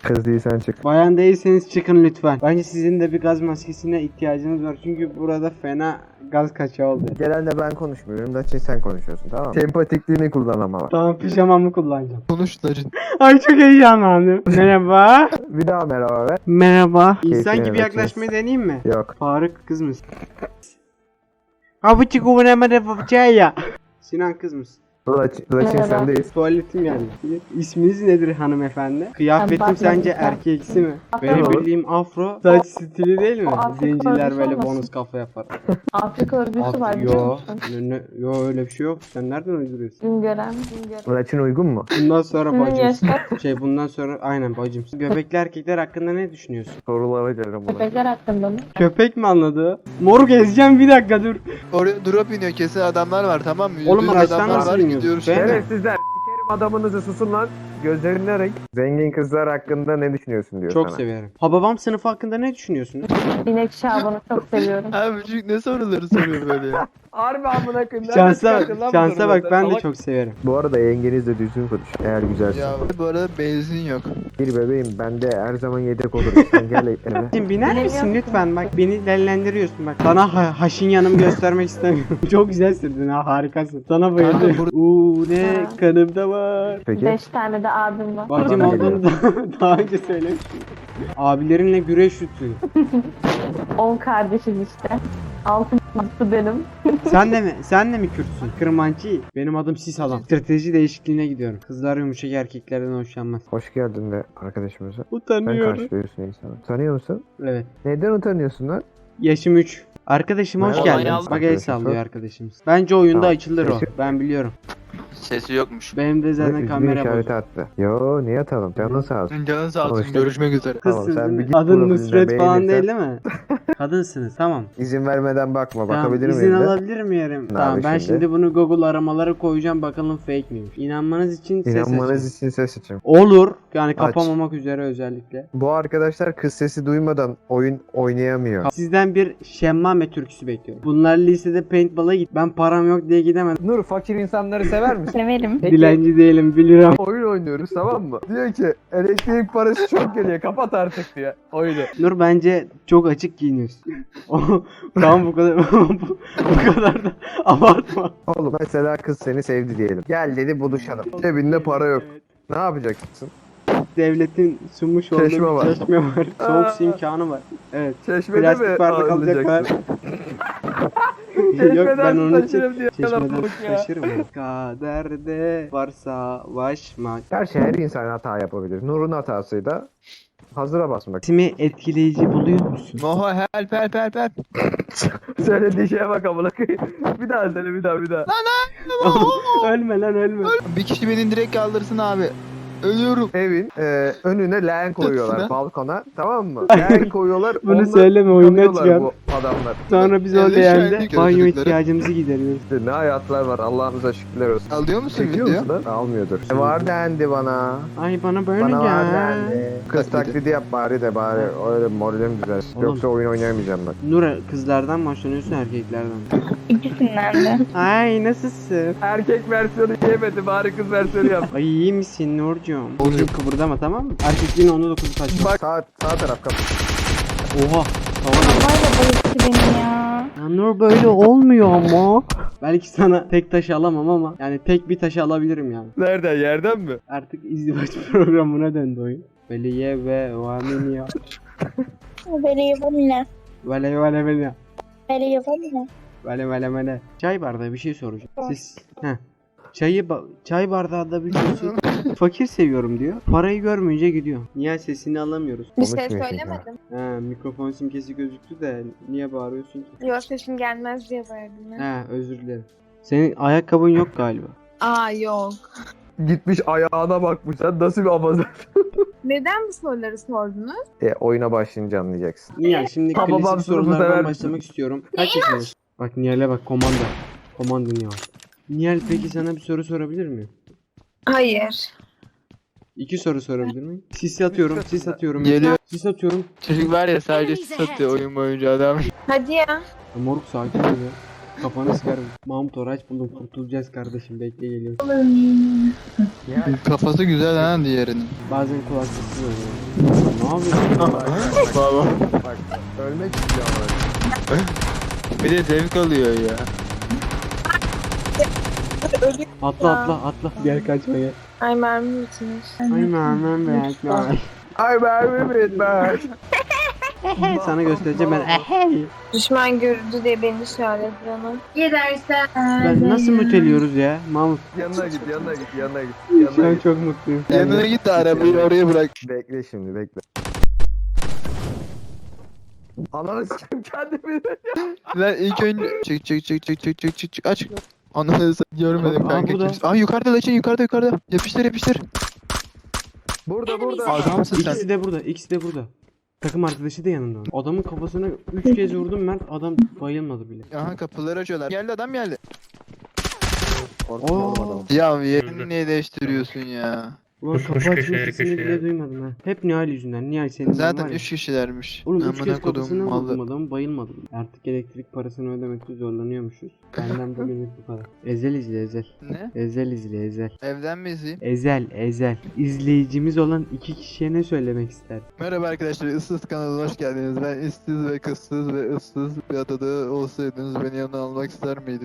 Kız değilsen çık. Bayan değilseniz çıkın lütfen. Bence sizin de bir gaz maskesine ihtiyacınız var. Çünkü burada fena gaz kaçağı oldu. Genelde ben konuşmuyorum da sen konuşuyorsun, tamam mı? Sempatikliğini kullan ama bak. Tamam, pijamamı kullanacağım. Konuş Larin. Ay çok heyecanlandım. Merhaba. Bir daha merhaba ver. Merhaba. İnsan Keyfine gibi bakacağız. yaklaşmayı deneyeyim mi? Yok. Faruk kız mısın? Abi çıkıvıramadı ya. Sinan kız mısın? Laçin sendeyiz. Tuvaletim geldi. İsminiz nedir hanımefendi? Kıyafetim Fatma sence Gülten. erkeksi mi? Afro. Benim bildiğim afro saç stili değil mi? O Afrika Zenciler örgüsü böyle olmasın? bonus kafa yapar. Afrika örgüsü var biliyor Yo, musun? yo öyle bir şey yok. Sen nereden uyduruyorsun? Güngören. Laçin uygun mu? Bundan sonra Senin bacım. yaşta Bundan sonra aynen bacım. Göbekli erkekler hakkında ne düşünüyorsun? Sorulara gelirim buna. köpekler hakkında mı? Köpek mi anladı? Moruk ezeceğim, bir dakika dur. Oraya drop iniyor, kesin adamlar var, tamam mı? Oğlum, Yüzde yüz araçtan adamlar nasıl var, iniyorsun? gidiyoruz. Ben- Şerefsizler. Sikerim adamınızı, susun lan. Gözlerine renk. Zengin kızlar hakkında ne düşünüyorsun diyor Çok sana. severim. Hababam sınıfı hakkında ne düşünüyorsunuz? İnek Şaban'ı çok seviyorum. Abi çocuk ne soruları soruyor böyle ya? Harbi amına koyayım. Şansa bak, ben de çok severim. Bu arada yengenizle düzgün konuş. Eğer güzelse. Ya bu arada benzin yok. Bir bebeğim, ben de her zaman yedek olurum. Sen gel eve. Şimdi biner Bilemiyorum misin ki. lütfen, bak beni dellendiriyorsun bak. Sana haşin yanımı göstermek istemiyorum. Çok güzel sürdün ha, harikasın. Sana bayılıyorum. Kanka, Uuu ne Ha. kanımda var. Peki. 5 tane de abim var. Bacım Bana olduğunu daha önce söylemiştim. Abilerinle güreş şutu. 10 kardeşiz işte. 6'sı benim. Sen de mi Kürtsün? Kırmancı. Benim adım Sis Adam. Strateji değişikliğine gidiyorum. Kızlar yumuşak erkeklerden hoşlanmaz. Hoş geldin de arkadaşımıza. Sen Utanıyorum. karşılıyorsun insanı. Tanıyor musun? Evet. Neden utanıyorsun lan? Yaşım 3. Arkadaşım hoş Merhaba, geldin. yalnız. Bak el Arkadaşım, sallıyor sor. arkadaşımız. Bence oyunda Tamam. açılır o. Sesi- Ben biliyorum. Sesi yokmuş. Benim de zaten Üzgün kamera işareti bozuk. attı. Yo, niye atalım? Canın sağ olsun. Canın sağ olsun, Sonuçta- görüşmek üzere. Tamam, Kızsın sen değil bir mi? git Adın profiline, Nusret falan beğenirsen- değil mi? Kadınsınız, tamam. İzin vermeden bakma. Tamam, Bakabilir izin miyim de? alabilir miyim? Tamam, abi ben şimdi? şimdi bunu Google aramalara koyacağım, bakalım fake miymiş. İnanmanız için ses İnanmanız açın. için ses açın. Olur. Yani kapamamak üzere özellikle. Bu arkadaşlar kız sesi duymadan oyun oynayamıyor. Sizden bir şemmame türküsü bekliyorum. Bunlar lisede paintball'a git. Ben param yok diye gidemedim. Nur, fakir insanları sever misin? Severim. Dilenci değilim, bilirim. Oyun oynuyoruz, tamam mı? Diyor ki elektrik parası çok geliyor, kapat artık diye oyunu. Nur, bence çok açık giyiniyorsun. Tamam, bu kadar bu kadar da abartma. Oğlum mesela kız seni sevdi diyelim. Gel dedi, buluşalım. Cebinde para yok. Ne yapacaksın? Devletin sunmuş olduğu Çeşme bir var. çeşme var. Soğuk su imkanı var. Evet. Çeşmede Plastik bardak alacaklar. Yok, ben onun için çeşmeden su taşırım. Kaderde var savaşmak. Gerçi her insan hata yapabilir. Nur'un hatasıyla hazıra basmak. İsmi etkileyici buluyor musun? Moho help. Söylediği şeye bak amına koyayım. Bir daha söyle, bir daha. Ölme lan, ölme. Bir kişi beni direkt kaldırsın abi. Ölüyorum. Evin önüne leğen koyuyorlar Sıra. balkona, tamam mı? Leğen koyuyorlar. Bunu onunla söyleme, oyundan yanıyorlar çıkar. bu adamlar. Sonra biz o Yanlış leğende şahitlik banyo çocukları. ihtiyacımızı gideriyoruz. İşte ne hayatlar var, Allah'ımıza şükürler olsun. Alıyor musun Çekiyor video? musun lan? Almıyordur. Var dendi bana. Ay bana böyle Bana var gel. dendi. Kız taklidi yap bari de bari öyle moralim düzelsin. Oğlum. Yoksa oyun oynayamayacağım bak. Nura, kızlardan mı hoşlanıyorsun, erkeklerden mi? İkisinden de. Ay nasılsın? Erkek versiyonu yemedi, bari kız versiyonu yap. Ay iyi misin Nurcuğum? Burcu kıpırdama, tamam mı? Erkekliğin 19'u kaç? Bak sağ taraf kapı. Oha. Tamam. Havayla bayılttı beni ya. Ya Nur, böyle olmuyor ama. Belki sana tek taş alamam ama yani tek bir taşı alabilirim yani. Nereden, yerden mi? Artık izdivaç programına döndü oyun. Veliye ve vaminiya. Böyle yapamıyor. Vele. Böyle yapamıyor. Vele. Çay bardağı bir şey soracağım. Siz çay bardağında bir şey fakir seviyorum diyor. Parayı görmeyince gidiyor. Niye sesini alamıyoruz? Bir şey Konuşmuyorsun söylemedim. Ha, mikrofon simgesi gözüktü de niye bağırıyorsun ki? Yok, sesim gelmez diye bağırdım. Ha, özür dilerim. Senin ayakkabın yok galiba. Aa yok. Gitmiş ayağına bakmış. Sen nasıl bir amazon? Neden bu soruları sordunuz? Oyuna başlayınca anlayacaksın. Nihal, şimdi Ha, babam klasik sınıfı sever sorulardan misin? başlamak istiyorum. Kaç yaşındasın? Bak Nihal'e bak, komando Nihal. Nihal, peki sana bir soru sorabilir miyim? Hayır. 2 soru sorabilir miyim? Sis atıyorum. Geliyor. Sis atıyorum. Çocuk var ya, sadece satıyor oyun boyunca adam. Hadi ya. Ya moruk, sakin ol ya. Kafanı sıkarım. Mahmut Oraç buldum. Kurtulacağız kardeşim. Bekle geliyor. Kafası güzel ha diğerinin. Bazen kulaklıksız oluyor. Ne yapıyorsun? Baba. Bak ölmek istiyor ama. Bir de zevk alıyor ya. Atla. Gel kaçma gel. Ay mermi bitmiş. Ay mermem be. Ay mermi bitmez. Sana göstereceğim ben. Düşman görüldü diye beni işaret bana. Ben nasıl müteliyoruz ya? Mahmut. Yanına git. Şu an çok mutluyum. Yanına git de arabayı oraya bırak. Bekle şimdi bekle. Ananı s**eyim kendimi. Lan ilk önce çık aç. Ananı görmedim Aa, kanka. burada. Aa yukarıda Laçın yukarıda. Yapıştır. Burada. Adamsın sen. İkisi de burada. Takım arkadaşı da yanında. Adamın kafasına 3 kez vurdum Mert. Adam bayılmadı bile. Aha kapıları açıyorlar. Geldi adam geldi. Korktum oğlum adamı. Ya yerini niye değiştiriyorsun ya? Ulan kapı açma sesini bile duymadım ha. Hep Nihal yüzünden. Nihal senin Zaten var ya. 3 kişilermiş. Oğlum 3 Amına kez kodum kafasına vurdum malı. adamı bayılmadı bile. Artık elektrik parasını ödemekte zorlanıyormuşuz. Benden bugünlük bu kadar. Ezel izle Ezel. Ne? Ezel izle Ezel. Evden mi izleyeyim? Ezel. İzleyicimiz olan 2 kişiye ne söylemek ister? Merhaba arkadaşlar, Issız kanalına hoş geldiniz. Ben işsiz ve kızsız ve ıssız bir adada olsaydınız beni yanına almak ister miydiniz?